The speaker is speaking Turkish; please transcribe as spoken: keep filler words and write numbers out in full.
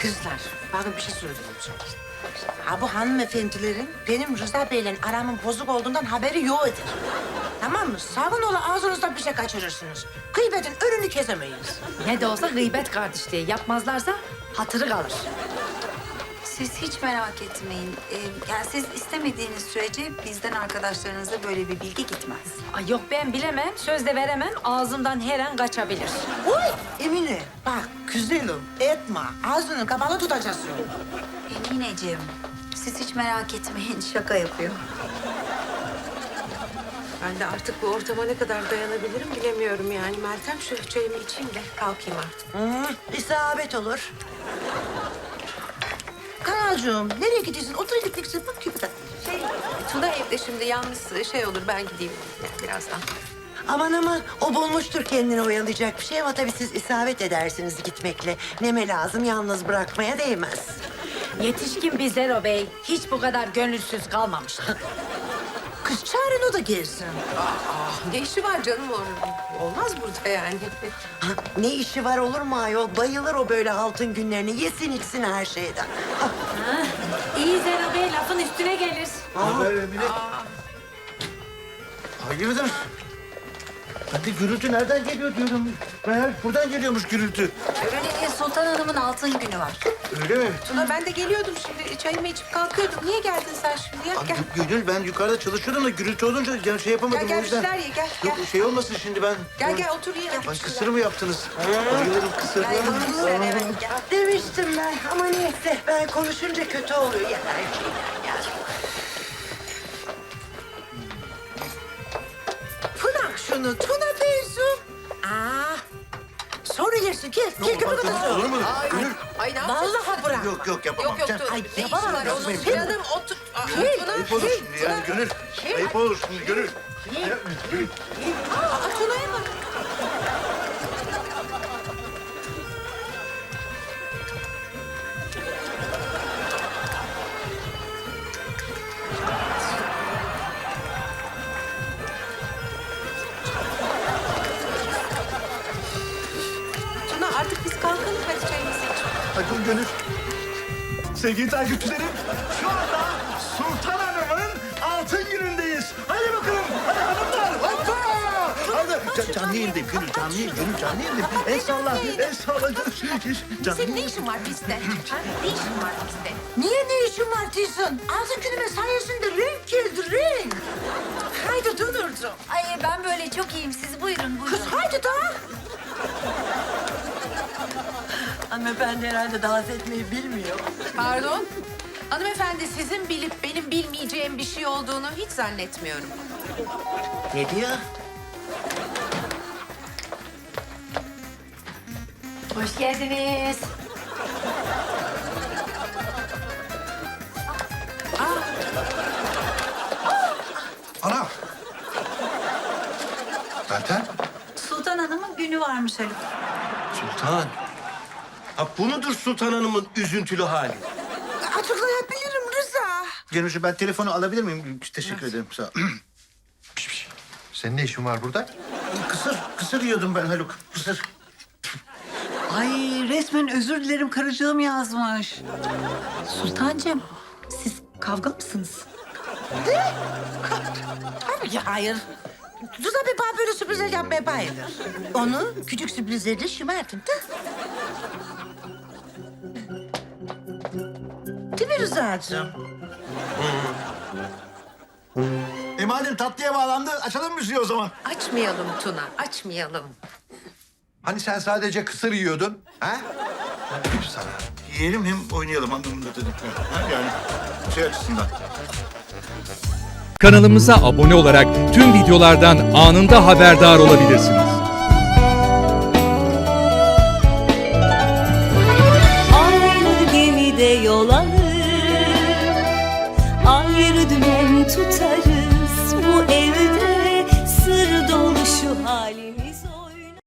Kızlar, bakın bir şey söyleyeceğim. Ha bu hanımefendilerin benim Rıza Bey'le aramın bozuk olduğundan haberi yoktur. Tamam mı? Sakın ola ağzınızdan bir şey kaçırırsınız. Gıybetin önünü kesemeyiz. Ne de olsa gıybet kardeşliği. Yapmazlarsa hatırı kalır. Siz hiç merak etmeyin. Ee, yani siz istemediğiniz sürece bizden arkadaşlarınıza böyle bir bilgi gitmez. Ay yok ben bilemem, söz de veremem. Ağzımdan her an kaçabilir. Uy Emine, bak güzelim etme. Ağzını kapalı tutacaksın. Emineciğim, siz hiç merak etmeyin. Şaka yapıyor. Ben de artık bu ortama ne kadar dayanabilirim bilemiyorum yani. Meltem şu çayımı içeyim de kalkayım artık. Hı, isabet olur. Kanalcığım, nereye gidiyorsun? Otur gittikçe bak küpüden. Şey, Tuna evde şimdi yalnız şey olur ben gideyim yani birazdan. Aman aman o bulmuştur kendini oyalayacak bir şey ama tabii siz isabet edersiniz gitmekle. Neme lazım yalnız bırakmaya değmez. Yetişkin bir Zero Bey hiç bu kadar gönülsüz kalmamıştı. Kız çağırın o da gelsin. Ne işi var canım orada? Olmaz burada yani. Ha, ne işi var olur mu ayol? Bayılır o böyle altın günlerini. Yesin içsin her şeyden. Ha, İyi Zero Bey lafın üstüne gelir. Haber Emine. Hayırdır? Ben de gürültü nereden geliyor diyorum. Meğer buradan geliyormuş gürültü. Öyle Sultan Hanım'ın altın günü var. Öyle mi? Tuna ben de geliyordum şimdi çayımı içip kalkıyordum. Niye geldin sen şimdi ya? Ay, Gel. Gü- Gönül ben yukarıda çalışıyordum da gürültü olunca yani şey yapamadım Gel, gel, o yüzden. bir şeyler ye, gel, Yok gel. şey olmasın şimdi ben. Gel gel otur ye. Ay kısır mı yaptınız? Bayılırım kısır. Gel, otur sen, evet, gel. demiştim ben ama neyse ben konuşunca kötü oluyor ya her şeyden ya. Bırak şunu Tuna teyzem. Aa, sonra yersin gel. Gel köpük Olur odası. mu? Gönül. Ay ne yapıyorsun? Vallahi bırak. Yok yok yapamam. Yok yok Sen- dur. Ay, Ne işi yapamam var ben onun? seni. Canım otur. Aa, Tuna. Ayıp olur şimdi yani Gönül. Ayıp olur şimdi Gönül. Aa, Tuna'ya bak. Tuna artık biz kalkalım hadi çayımızı içelim. Bakın Gönül. Sevgili takipçilerim, şu anda Sultan Hanım'ın altın günündeyiz. Hadi bakalım, hadi hanımlar, hoppa! Hadi, Can, canlı yayındayım Gönül, canlı yayın, Gönül canlı yayındayım. El salla, el salla. Canlı Senin ne işin var bizde? Ha? Ne işin var bizde? Niye ne işin var teyzem? Ağzın günüme sayesinde renk geldi renk. Haydi dönürdüm. Ay ben böyle çok iyiyim. Siz buyurun buyurun. Kız haydi daha. Hanımefendi herhalde dans etmeyi bilmiyor. Pardon? Hanımefendi sizin bilip benim bilmeyeceğim bir şey olduğunu hiç zannetmiyorum. Ne diyor? Hoş geldiniz. Ana! Meltem, Sultan Hanım'ın günü varmış Haluk. Sultan. Ha bu mudur Sultan Hanım'ın üzüntülü hali? Açıklayabilirim Rıza. Gönülcüğüm ben telefonu alabilir miyim? Teşekkür ederim, sağ ol. Senin ne işin var burada? Kısır, kısır yiyordum ben Haluk, kısır. Ay resmen özür dilerim karıcığım yazmış. Sultancığım siz kavga mısınız? Tabii ki hayır. Rıza Bey bana böyle sürprizler yapmaya bayılır. Onu küçük sürprizlerle şımartın da. Değil mi Rıza'cığım? E madem tatlıya bağlandı, açalım müziği o zaman. Açmayalım Tuna, açmayalım. Hani sen sadece kısır yiyordun? Ha? Dedim sana. Yiyelim hem oynayalım anlamında dedik. Ha, yani şey açısından. Kanalımıza abone olarak tüm videolardan anında haberdar olabilirsiniz. Aynı gemide yol alır, ayrı dümen tutarız bu evde.